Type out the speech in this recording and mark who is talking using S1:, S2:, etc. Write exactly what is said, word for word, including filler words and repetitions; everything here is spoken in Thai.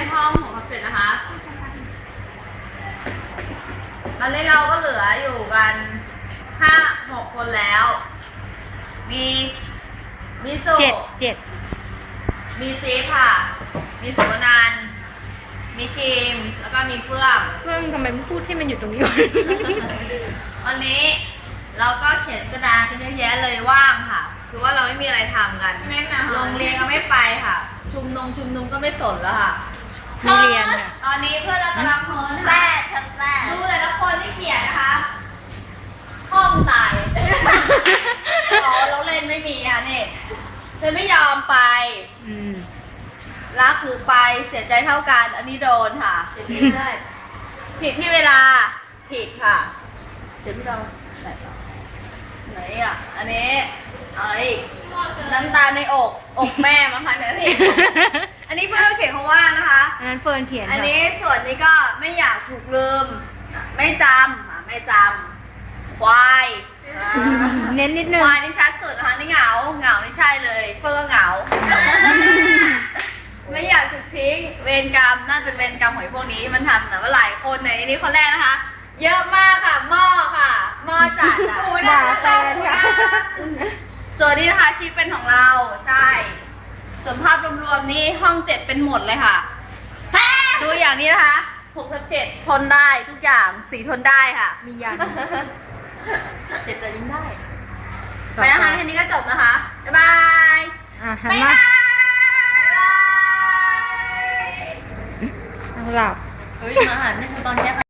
S1: ห้องของพับเจ็ดนะคะตอนนี้เราก็เหลืออยู่กันห้าหกคนแล้ว มีมิสุ
S2: เจ็ดเจ็ด
S1: มีจีค่ะ มีสุวนันท์มีทีม แล้วก็มีเฟื่อง
S2: เพื่อนทำไมไม่พูดที่มันอยู่ตรงนี้วะ
S1: วันนี้เราก็เขียนกระดาษกันเยอะแยะเลยว่างค่ะ คือว่าเราไม่มีอะไรทำกันโรงเรียนก็ไม่ไปค่ะ ชุมนุมชุมนุมก็ไม่สนแล้วค่ะ
S2: มีเรียนค่ะ
S1: ตอนนี้เพื่อนเรากำลังโพสแซ่ทัแซ่ดูแต่ละคนที่เขียนนะคะ ห้องตายอ๋อเราเล่นไม่มีค่ะนี่เธอไม่ยอมไป
S2: อืม
S1: รักหรือไปเสียใจเท่ากัน อันนี้โดนค่ะผิดที่ได้ผิดที่เวลาผิดค่ะเจ็บพี่ดาวไหนต่อไหนอ่ะ อันนี้เอาอะไรอีกน้ำตาในอก อกแม่มั้งคะเนี่ยพี่อันนี้เพื่อนเราเขียนเขาว่านะคะ
S2: อันนั้นเฟิร์นเขียน
S1: อัน
S2: ค่ะ
S1: นี้ส่วนนี้ก็ไม่อยากถูกลืม ไม่จำอ่ะไม่จำควายอ่า
S2: เน้นนิดนึ
S1: ค
S2: ง
S1: วายนี่ชัดสุดนะคะนี่เหงาเหงานี่ใช่เลยเพื่อนก็เหงา ไม่อยากถูกทิ้งเวรกรรมน่าจะเป็นเวรกรรมของไอ้พวกนี้มันทำแบบว่าหลายคนในนี้คนแรกนะคะ เยอะมากค่ะหม้อค่ะหม้อจัดอ่ะ
S2: ด่าแฟนค่ะ
S1: ส่วนนี้นะคะชีพเป็นของเราใช่ส่วนภาพรวมๆนี่ห้องเจ็ดเป็นหมดเลยค่ะ ดูอย่างนี้นะคะหกทับเจ็ดทนได้ทุกอย่างสีทนได้ค่ะ
S2: มียัน
S1: เจ็ดแต่ยิ้มได้ไปนะคะแค่นี้ก็จบนะคะบ๊ายบาย
S2: อ่ะหันมาเอาหลับ
S1: เฮ้ยมาหันไม่ใช่ตอนนี้